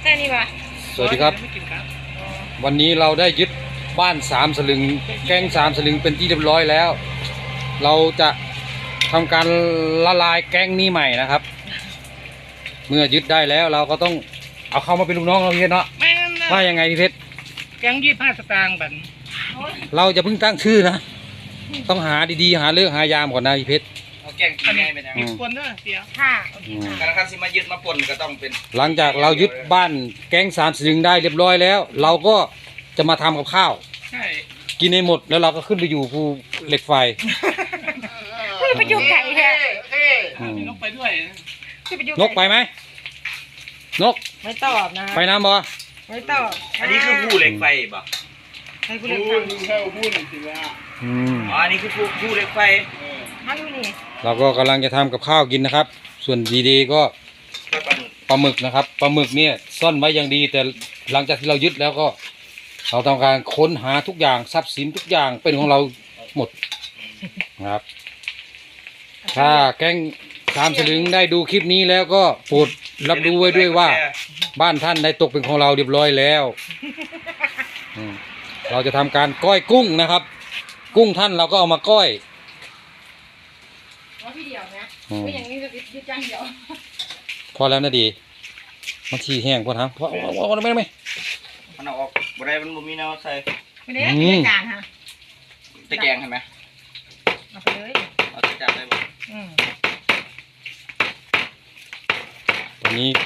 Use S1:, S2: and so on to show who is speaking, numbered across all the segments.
S1: ค่นี้ป่ะ
S2: สวัสดีครับวันนี้เราได้ยึดบ้าน3 สลึงแก๊ง3 สลึงเป็นที่เรียบร้อยแล้วเราจะทำการละลายแก๊งนี้ใหม่นะครับเมื่อยึดได้แล้วเราก็ต้องเอาเข้ามาเป็นลูกน้องเราพี่เพชรเนาะว่ายังไงพี่เพชร
S3: แก๊ง25 สตางค์บัน
S2: เราจะเพิ่งตั้งชื่อนะต้องหาดีๆหาเรื่องหายามก่อนนะพี่เพชร
S4: เอาแกงกินง่ายเป็นยัง
S3: มีคนด้วยเสีย
S1: ค่ะ
S4: การคันสิมายึดมาปนก็ต้องเป็น
S2: หลังจากเรายึดบ้านแก๊ง3 สลึงได้เรียบร้อยแล้วเราก็จะมาทำกับข้าว
S3: ใช่
S2: กินให้หมดแล้วเราก็ขึ้นไปอยู่ภูเหล็กไฟ
S1: ไปอยู่ไก่แท้
S3: มีนกไปด้วย
S2: นกไปไหมนก
S1: ไม่ตอบนะ
S2: ไปน้ำบ่
S1: ไม่ตอบ
S4: อันนี้คือผู้เหล็กไฟบ่
S1: ให้ผู้เล่น
S3: พูดสิว่า
S4: อ๋ออันนี้คือผู้เหล็กไฟ
S1: มาดูนี่
S2: เราก็กำลังจะทำกับข้าวกินนะครับ ส่วนดีๆก็ปลาหมึกนะครับปลาหมึกเนี่ยซ่อนไว้อย่างดีแต่หลังจากที่เรายึดแล้วก็เราทำการค้นหาทุกอย่างทรัพย์สินทุกอย่างเป็นของเราหมดนะครับถ้าแก๊ง3 สลึงได้ดูคลิปนี้แล้วก็โปรดรับรู้ไว้ด้วยว่าบ้านท่านได้ตกเป็นของเราเรียบร้อยแล้วเราจะทำการก้อยกุ้งนะครับกุ้งท่านเราก็เอามาก้อย
S1: ว่าพี่เดียวนะก็อย่างนี้จะยึดจ้างเดียว
S2: พอแล้วนะดีมันที่แห้งพอทำพอไม่
S4: มันเอาออกบ่ได้มันบ่มีแนวใส่
S1: ไม่ได้ไม่ได้การฮะ
S4: ตะแกงเห็นไหม
S1: เอาไปเลย
S4: เอาตะจับได้บ่
S2: ตอนนี้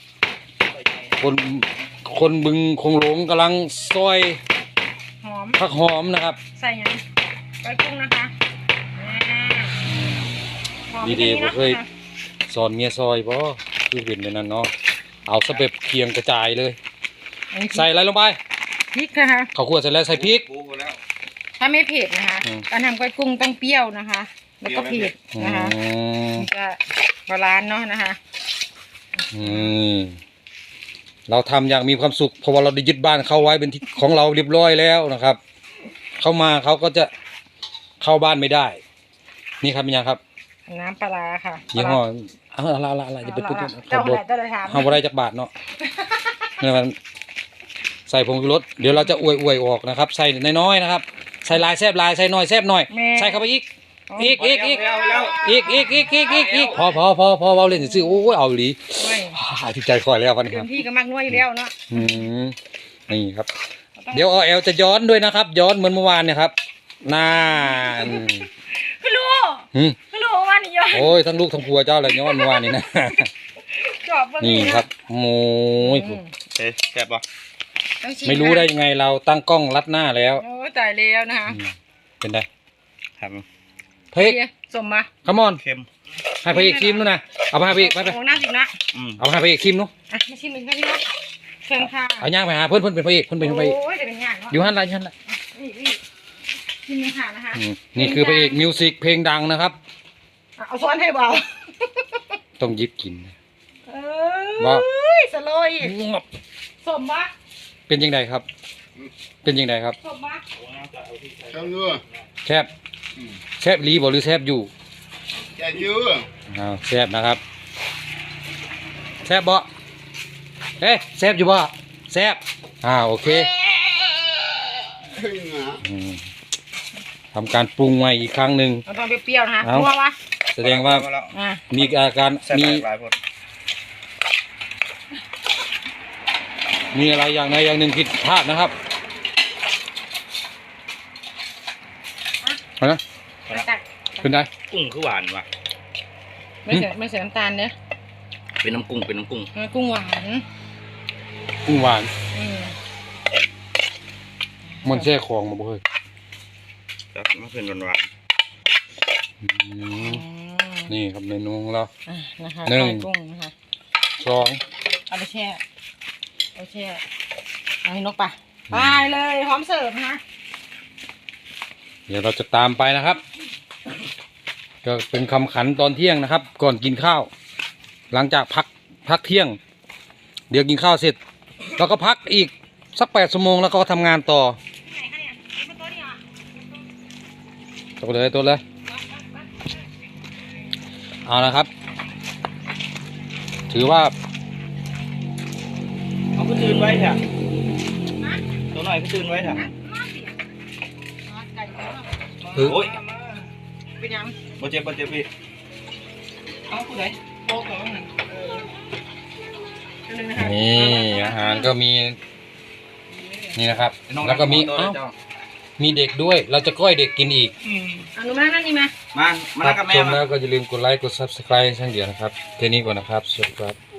S2: คนบึงคงหลงกำลังซอย
S1: หอม
S2: ผักหอมนะครับ
S1: ใส่ยังใส่กุ้งนะคะ
S2: ดีๆผมเคยสอนเมียซอยเพราะคือเห็นในนั้นเนาะเอาสเปบเคียงกระจายเลยใส่อะไรลงไป
S1: พริกนะคะ
S2: ข้าวคั่วเสร็จแล้วใส่พริก
S1: ถ้าไม่เผ็ดนะคะการทำก้อยกุ้งต้องเปรี้ยวนะคะ แล้วก็เผ็ดนะคะมันจะบาลานซ์เนาะนะคะ
S2: เราทำอย่างมีความสุขเพราะว่าเราได้ยึดบ้านเขาไว้เป็นที่ของเราเรียบร้อยแล้วนะครับ เข้ามาเขาก็จะเข้าบ้านไม่ได้นี่ครับเป็นยังครับ
S1: น้ำปลาค่ะ
S2: ยี่ห้ออะไรจะไปพูด
S1: เจ้าอะไรถาม
S2: ห้าอะไรจากบาทเนาะเนี่ยมันใส่ผงชูรสเดี๋ยวเราจะอวยออกนะครับใส่น้อยๆนะครับใส่ลายแซบลายใส่น้อยแซบหน่อยใส่เข้าไปอีกพอเราเล่นซื่อโอ้ยเอาหลีที่ใจคอยแล้ววันนี้ครับ
S1: พี่ก็มักน้อยอยู่แล้วเนาะ
S2: นี่ครับเดี๋ยวแอลจะย้อนด้วยนะครับย้อนเหมือนเมื่อวานเนี่ยครับน่า
S1: คือรู้ว่านี่ย้อน
S2: โอ้ยทั้งลูกทั้งผัวเจ้าเลยย้อนเมื่อวานนี้นะนี่ครับโอ้ย
S4: แซ่บป่ะ
S2: ไม่รู้ได้ยังไงเราตั้งกล้องรัดหน้าแล้ว
S1: โอ้ตายแล้วนะคะ
S2: เป็นไง
S4: ครับ
S2: เพ็ก
S1: สมมา
S2: คัมอน
S4: เค็ม
S2: ให้พระเอกชิมนู่นนะเอาไปให้พระเอกไป
S1: ของน่าสินะ
S2: เอาให้พระเอกชิมนู่น
S1: มาชิมหนึ่งค่ะพี่น้องเชิญค่ะ
S2: เอาย่างไปหาเพื่อนเป็นพระเอกเพื่อนเป็นพระเอก
S1: โอ้ยจะเป็นย่าง
S2: อยู่หันไรหันละ
S1: ชิมเลยค่ะนะคะ
S2: นี่คือพระเอกมิวสิกเพลงดังนะครับ
S1: เอาซ้อนให้เบา
S2: ต้องยิบกิน
S1: ว่าสโลยสมปะ
S2: เป็นยังไงครับเป็นยังไงครับ
S1: สมปะ
S2: แซบลีบอกหรือแซบอยู่
S4: แซ่บอยู่
S2: แซบนะครับแซบบ่แซบอยู่บ่แซบโอเคทำการปรุงใหม่อีกครั้งหนึ่ง
S1: ต้องเปรี้ยวๆนะคะนัววะ
S2: แสดงว่ามีอาการมีอะไรอย่างใดอย่างหนึ่งผิดพลาดนะครับนะเป็นไง
S4: กุ้งคือหวานว่ะ
S1: ไม่ใส่น้ำตาลเนี่ย
S4: เป็นน้ำกุ้ง
S1: กุ้งหวาน
S2: มันแช่ของมาบ่เฮ้ย
S4: ครับมาเป็นหวาน
S2: นี่ครับเมนูของเรา
S1: นะคะกุ้งนะคะเอาไปแช่เอาให้นกไปเลยพร้อมเสิร์ฟนะคะ
S2: เดี๋ยวเราจะตามไปนะครับก็เป็นคำขันตอนเที่ยงนะครับก่อนกินข้าวหลังจากพักเที่ยงเดี๋ยวกินข้าวเสร็จเราก็พักอีกสัก8 ชั่วโมงแล้วก็ทำงานต่อตัวเลยเอานะครับถือว่า
S4: เถอะตัวหน่อยก็ตื่นไว้เถอะ
S1: ไก่ก็
S4: โอ้ย
S1: เป็นยัง
S4: บ่เจ็บพี่
S3: เอาผู้ใดโป๊กเอาหนึ่ง
S2: นี่อาหารก็มีนี่นะครับ แล้วก็มีมีเด็กด้วย เราจะก้อยเด็กกินอีก
S1: อนุมานั่นนี่มา
S4: มานั่งกับแม่
S2: ชม
S4: มา
S2: แล้วก็อย่าลืมกดไลค์กด subscribe ช่างเดียวนะครับเท่านี้ก่อนนะครับสวัสดีครับ